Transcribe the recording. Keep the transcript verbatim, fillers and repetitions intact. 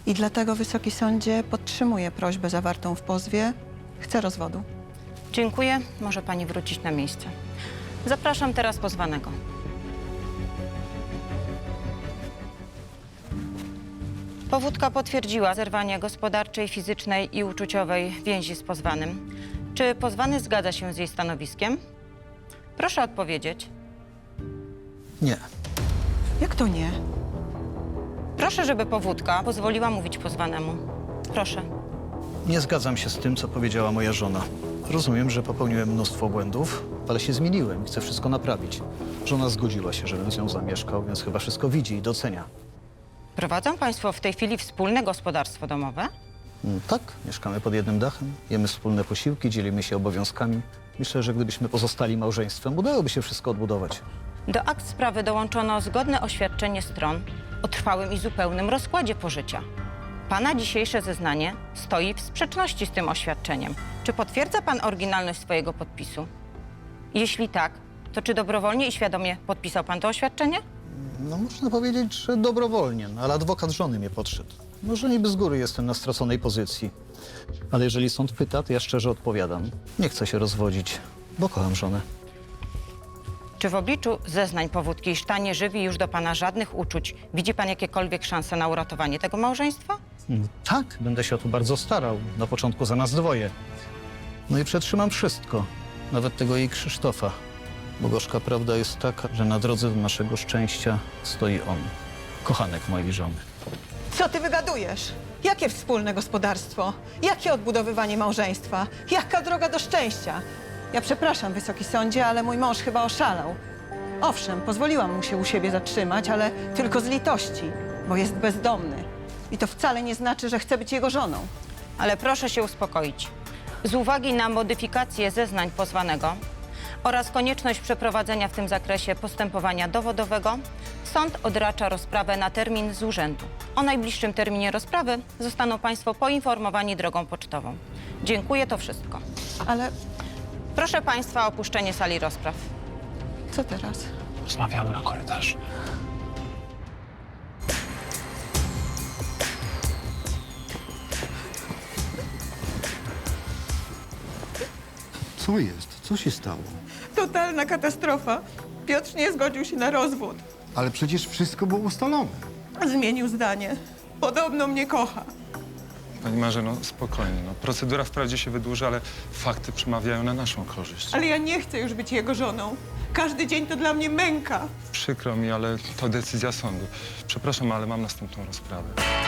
I dlatego, Wysoki Sądzie, podtrzymuję prośbę zawartą w pozwie. Chcę rozwodu. Dziękuję. Może pani wrócić na miejsce. Zapraszam teraz pozwanego. Powódka potwierdziła zerwanie gospodarczej, fizycznej i uczuciowej więzi z pozwanym. Czy pozwany zgadza się z jej stanowiskiem? Proszę odpowiedzieć. Nie. Jak to nie? Proszę, żeby powódka pozwoliła mówić pozwanemu. Proszę. Nie zgadzam się z tym, co powiedziała moja żona. Rozumiem, że popełniłem mnóstwo błędów, ale się zmieniłem i chcę wszystko naprawić. Żona zgodziła się, żebym z nią zamieszkał, więc chyba wszystko widzi i docenia. Prowadzą państwo w tej chwili wspólne gospodarstwo domowe? Mm, Tak, mieszkamy pod jednym dachem, jemy wspólne posiłki, dzielimy się obowiązkami. Myślę, że gdybyśmy pozostali małżeństwem, udałoby się wszystko odbudować. Do akt sprawy dołączono zgodne oświadczenie stron o trwałym i zupełnym rozkładzie pożycia. Pana dzisiejsze zeznanie stoi w sprzeczności z tym oświadczeniem. Czy potwierdza pan oryginalność swojego podpisu? Jeśli tak, to czy dobrowolnie i świadomie podpisał pan to oświadczenie? No można powiedzieć, że dobrowolnie, no, ale adwokat żony mnie podszedł. Może niby z góry jestem na straconej pozycji, ale jeżeli sąd pyta, to ja szczerze odpowiadam. Nie chcę się rozwodzić, bo kocham żonę. Czy w obliczu zeznań powódki, iż ta nie żywi już do pana żadnych uczuć, widzi pan jakiekolwiek szanse na uratowanie tego małżeństwa? Mm, Tak, będę się o to bardzo starał. Na początku za nas dwoje. No i przetrzymam wszystko, nawet tego jej Krzysztofa. Bo gorzka prawda jest taka, że na drodze do naszego szczęścia stoi on, kochanek mojej żony. Co ty wygadujesz? Jakie wspólne gospodarstwo? Jakie odbudowywanie małżeństwa? Jaka droga do szczęścia? Ja przepraszam, Wysoki Sądzie, ale mój mąż chyba oszalał. Owszem, pozwoliłam mu się u siebie zatrzymać, ale tylko z litości, bo jest bezdomny. I to wcale nie znaczy, że chcę być jego żoną. Ale proszę się uspokoić. Z uwagi na modyfikację zeznań pozwanego oraz konieczność przeprowadzenia w tym zakresie postępowania dowodowego, sąd odracza rozprawę na termin z urzędu. O najbliższym terminie rozprawy zostaną państwo poinformowani drogą pocztową. Dziękuję, to wszystko. Ale Proszę państwa o opuszczenie sali rozpraw. co teraz? Rozmawiamy na korytarzu. Co jest? Co się stało? Totalna katastrofa. Piotr nie zgodził się na rozwód. Ale przecież wszystko było ustalone. Zmienił zdanie. Podobno mnie kocha. Pani Marzeno, spokojnie. No, procedura wprawdzie się wydłuży, ale fakty przemawiają na naszą korzyść. Ale ja nie chcę już być jego żoną. Każdy dzień to dla mnie męka. Przykro mi, ale to decyzja sądu. Przepraszam, ale mam następną rozprawę.